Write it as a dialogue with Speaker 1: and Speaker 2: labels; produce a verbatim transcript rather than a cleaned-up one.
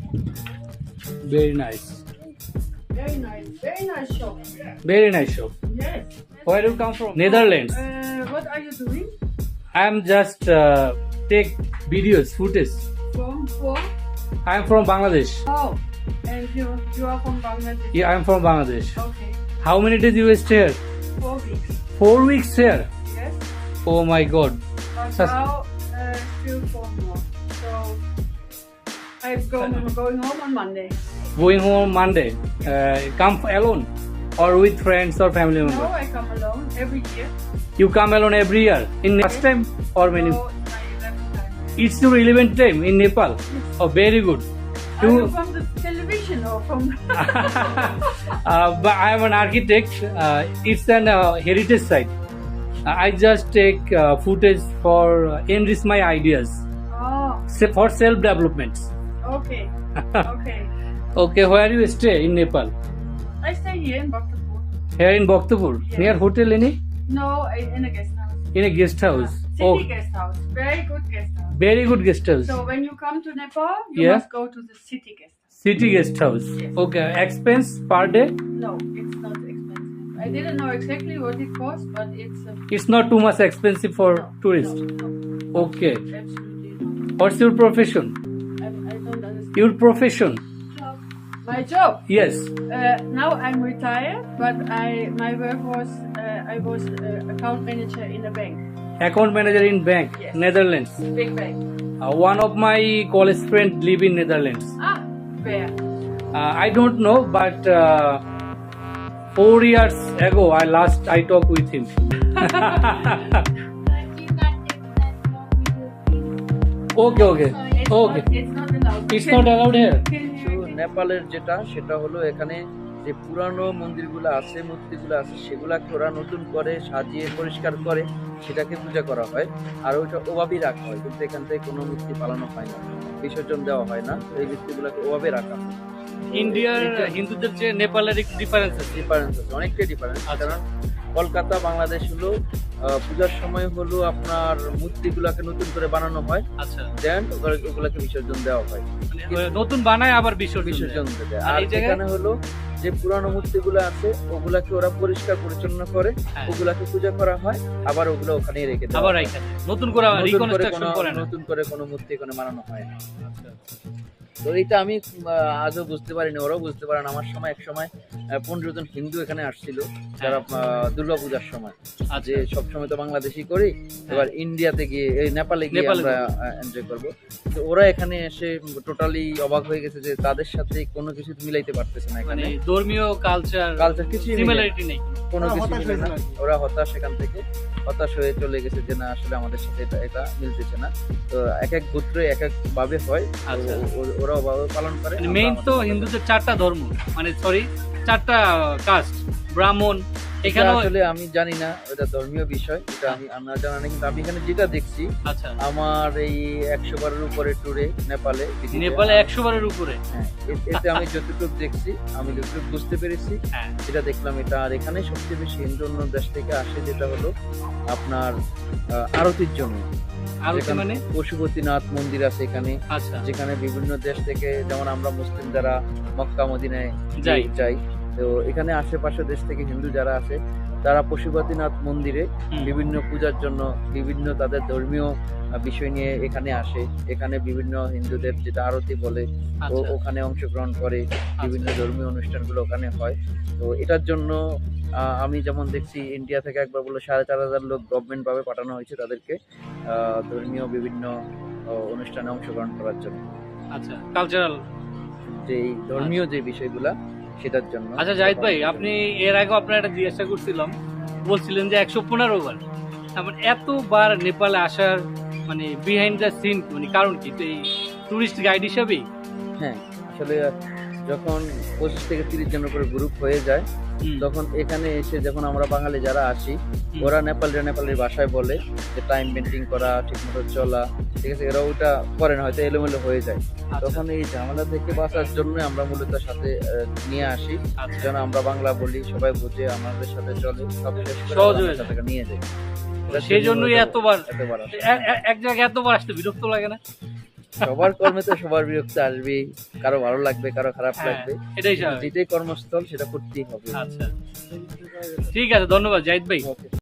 Speaker 1: Very nice.
Speaker 2: Very nice, very nice shop.
Speaker 1: Very nice shop.
Speaker 2: Yes.
Speaker 1: Where do you come from? Netherlands.
Speaker 2: Uh, what are you doing?
Speaker 1: I am just uh, take videos, footage.
Speaker 2: From for?
Speaker 1: I am from Bangladesh.
Speaker 2: Oh, and you you are from Bangladesh.
Speaker 1: Yeah, I am from Bangladesh.
Speaker 2: Okay.
Speaker 1: How many days you stay here?
Speaker 2: Four weeks.
Speaker 1: Four weeks here.
Speaker 2: Yes.
Speaker 1: Oh my God.
Speaker 2: But
Speaker 1: Sus-
Speaker 2: now uh, still four more. So I'm going going home on Monday.
Speaker 1: Going home Monday. Uh, come alone or with friends or family
Speaker 2: No,
Speaker 1: member?
Speaker 2: I come alone every year.
Speaker 1: You come alone every year. In next time or many?
Speaker 2: So it's my eleventh time.
Speaker 1: It's your eleventh time in Nepal. Oh, very good.
Speaker 2: Are you
Speaker 1: You,
Speaker 2: from the television or from?
Speaker 1: uh, but I am an architect. Uh, it's an uh, heritage site. Uh, I just take uh, footage for uh, enrich my ideas.
Speaker 2: Oh,
Speaker 1: Se- for self development.
Speaker 2: okay, okay.
Speaker 1: Okay, where you stay in Nepal?
Speaker 2: I stay here in Bhaktapur.
Speaker 1: Here in Bhaktapur.
Speaker 2: Yes.
Speaker 1: Near hotel any?
Speaker 2: No, I, in a guest house.
Speaker 1: In a guest house.
Speaker 2: City
Speaker 1: Oh,
Speaker 2: guest house. Very good guest house.
Speaker 1: very good guest house.
Speaker 2: So when you come to Nepal, you
Speaker 1: Yeah.
Speaker 2: must go to the city guest house.
Speaker 1: City guest house.
Speaker 2: Yes.
Speaker 1: Okay, expense per day?
Speaker 2: No, it's not expensive. I didn't know exactly what it costs, but it's a
Speaker 1: It's not too much expensive for
Speaker 2: no,
Speaker 1: tourists.
Speaker 2: No, no,
Speaker 1: Okay.
Speaker 2: absolutely not.
Speaker 1: What's your profession?
Speaker 2: I, I don't understand.
Speaker 1: Your profession?
Speaker 2: My job.
Speaker 1: Yes.
Speaker 2: Uh, now I'm retired, but I my work was uh, I was uh, account manager in a bank,
Speaker 1: Account manager in bank,
Speaker 2: Yes.
Speaker 1: Netherlands.
Speaker 2: big bank.
Speaker 1: Uh, one of my college friends live in Netherlands.
Speaker 2: Ah, where?
Speaker 1: Uh, I don't know, but uh, four years ago, I last I talked with him. Okay, okay,
Speaker 2: It's
Speaker 1: okay.
Speaker 2: Not, it's not allowed.
Speaker 1: It's not allowed here.
Speaker 2: Can you-
Speaker 3: তো নেপালের যেটা সেটা হলো এখানে যে পুরানো মন্দিরগুলো আছে মূর্তিগুলো আছে সেগুলাকে ওরা নতুন করে সাজিয়ে পরিষ্কার করে সেটাকে পূজা করা হয় আর ওইটা ওভাবেই রাখা হয়, কিন্তু এখান থেকে কোনো মূর্তি পালানো হয় না, বিসর্জন দেওয়া হয় না, এই মূর্তিগুলোকে ওভাবে রাখা হয়।
Speaker 1: ইন্ডিয়ার হিন্দুদের চেয়ে নেপালের একটু ডিফারেন্স আছে।
Speaker 3: ডিফারেন্স আছে, অনেকটাই ডিফারেন্স।
Speaker 1: আচ্ছা।
Speaker 3: কারণ কলকাতা বাংলাদেশ হলো আহ, পূজার সময় হলো আপনার মূর্তিগুলোকে নতুন করে বানানো হয়,
Speaker 1: আচ্ছা,
Speaker 3: দেন ওগুলোকে বিসর্জন দেওয়া হয়,
Speaker 1: মানে নতুন বানায় আবার বিসর্জন
Speaker 3: বিসর্জন
Speaker 1: দেয়।
Speaker 3: দেয়।
Speaker 1: আর
Speaker 3: আর
Speaker 1: এই জায়গায়?
Speaker 3: এখানে হলো যে পুরানো মূর্তিগুলো আছে ওগুলাকে ওরা পরিষ্কার পরিচ্ছন্ন করে
Speaker 1: হ্যাঁ।
Speaker 3: ওগুলাকে পূজা করা হয়, আবার ওগুলো ওখানেই রেখে দেওয়া
Speaker 1: আবার
Speaker 3: হয়।
Speaker 1: এখানে নতুন করে
Speaker 3: নতুন করে
Speaker 1: রিকনস্ট্রাকশন
Speaker 3: কোনো-
Speaker 1: করে না।
Speaker 3: নতুন করে কোনো মূর্তি এখানে বানানো হয় না।
Speaker 1: আচ্ছা, আচ্ছা।
Speaker 3: তো এটা আমি আহ, আজও বুঝতে পারিনি, ওরাও বুঝতে পারে না। আমার সময় এক সময় পনেরো জন হিন্দু এখানে আসছিল যারা দুর্গা পূজার সময়,
Speaker 1: আচ্ছা,
Speaker 3: যে সবসময় তো বাংলাদেশি করি, এবার ইন্ডিয়াতে গিয়ে এই নেপালে গিয়ে
Speaker 1: নেপালে
Speaker 3: আমরা এনজয় করব। তো ওরা এখানে এসে টোটালি অবাক হয়ে গেছে যে তাদের সাথে কোনো কিছু মিলাইতে পারতেছে না,
Speaker 1: মানে
Speaker 3: এখানে
Speaker 1: ধর্মীয় কালচার
Speaker 3: কালচার কিছুই মিলে না।
Speaker 1: সিমিলারিটি নেই।
Speaker 3: কোনো কিছু মিলে না। ওরা হতাশ, এখান থেকে হতাশ হয়ে চলে গেছে যে না আসলে আমাদের সাথে এটা এটা মিলতেছে না। তো এক এক গোত্রে এক এক ভাবে হয়, তো
Speaker 1: আচ্ছা।
Speaker 3: ও- ওরা ওভাবে পালন করে। আমরা
Speaker 1: মেইন তো
Speaker 3: আমাদের
Speaker 1: হিন্দুদের চারটা ধর্ম, মানে সরি চারটা কাস্ট, ব্রাহ্মণ।
Speaker 3: এটা
Speaker 1: এখানে
Speaker 3: আসলে আমি জানি না, এটা ধর্মীয় বিষয়, এটা আমি আমার জানা নেই, কিন্তু আমি এখানে যেটা দেখছি
Speaker 1: আচ্ছা,
Speaker 3: আমার এই একশো বারের উপরে ট্যুরে নেপালে ভিজিটে,
Speaker 1: নেপালে একশো বারের উপরে।
Speaker 3: হ্যাঁ, এ- এতে আমি যতটুকু দেখছি, আমি যতটুকু বুঝতে পেরেছি
Speaker 1: হ্যাঁ,
Speaker 3: যেটা দেখলাম এটা। আর এখানে সবচেয়ে বেশি হিন্দু অন্য দেশ থেকে আসে যেটা হলো আপনার আহ, আরতির জন্য।
Speaker 1: আর
Speaker 3: যেখানে
Speaker 1: মানে
Speaker 3: পশুপতিনাথ মন্দির আছে এখানে,
Speaker 1: আচ্ছা,
Speaker 3: যেখানে বিভিন্ন দেশ থেকে, যেমন আমরা মুসলিম যারা মক্কা মদিনায়
Speaker 1: যাই।
Speaker 3: যাই, তো এখানে আশেপাশে দেশ থেকে হিন্দু যারা আছে তারা পশুপতিনাথ মন্দিরে
Speaker 1: হুম,
Speaker 3: বিভিন্ন পূজার জন্য বিভিন্ন তাদের ধর্মীয় আহ, বিষয় নিয়ে এখানে আসে। এখানে বিভিন্ন হিন্দুদের যেটা আরতি বলে ও
Speaker 1: আচ্ছা,
Speaker 3: ওখানে অংশগ্রহণ করে, বিভিন্ন ধর্মীয় অনুষ্ঠানগুলো ওখানে হয়। তো এটার জন্য আহ, আমি যেমন দেখছি ইন্ডিয়া থেকে একবার বললো সাড়ে চার হাজার লোক গভর্নমেন্ট ভাবে পাঠানো হয়েছে তাদেরকে আহ, ধর্মীয় বিভিন্ন আহ, অনুষ্ঠানে অংশগ্রহণ করার জন্য,
Speaker 1: আচ্ছা, কালচারাল।
Speaker 3: যে এই ধর্মীয় যে বিষয়গুলা সেটার জন্য।
Speaker 1: আচ্ছা জাহিদ ভাই, আপনি এর আগে আপনার একটা জিজ্ঞাসা করছিলাম, বলছিলেন যে একশো পনেরো বার, তারপর এতবার নেপালে আসার মানে বিহাইন্ড দ্য সিন মানে কারণ কি? তো এই টুরিস্ট গাইড হিসাবেই?
Speaker 3: হ্যাঁ, আসলে যখন পঁচিশ থেকে তিরিশ জনের করে গ্রুপ হয়ে যায়
Speaker 1: হুম,
Speaker 3: তখন এখানে এসে যখন আমরা বাঙালি যারা আসি
Speaker 1: হুম,
Speaker 3: ওরা নেপালিরা নেপালের ভাষায় বলে যে টাইম মেনটেন করা, ঠিকমতো চলা, ঠিক আছে, এরা ওটা করে না, হয়তো এলোমেলো হয়ে যায়।
Speaker 1: আচ্ছা,
Speaker 3: তখন এই ঝামেলা থেকে বাঁচার জন্য আমরা মূলত সাথে আহ, নিয়ে আসি,
Speaker 1: আচ্ছা,
Speaker 3: যেন আমরা বাংলা বলি, সবাই বুঝে আমাদের সাথে চলে, সব শেষ করে
Speaker 1: সহজ
Speaker 3: আমরা
Speaker 1: হয়ে যায়।
Speaker 3: তাকে নিয়ে যাই। এটা
Speaker 1: সেই জন্যই
Speaker 3: এত-
Speaker 1: এতবার
Speaker 3: এতবার আসে।
Speaker 1: এ- এ- এক জায়গায় এতবার আসতে বিরক্ত লাগে না?
Speaker 3: সবার কর্মে তো সবার বিরক্ত আসবে, কারো ভালো লাগবে, কারো খারাপ
Speaker 1: হ্যাঁ,
Speaker 3: লাগবে,
Speaker 1: এটাই স্বাভাবিক।
Speaker 3: যেটাই কর্মস্থল সেটা করতেই হবে।
Speaker 1: আচ্ছা, ঠিক আছে, ধন্যবাদ জাহিদ ভাই।
Speaker 3: Okay.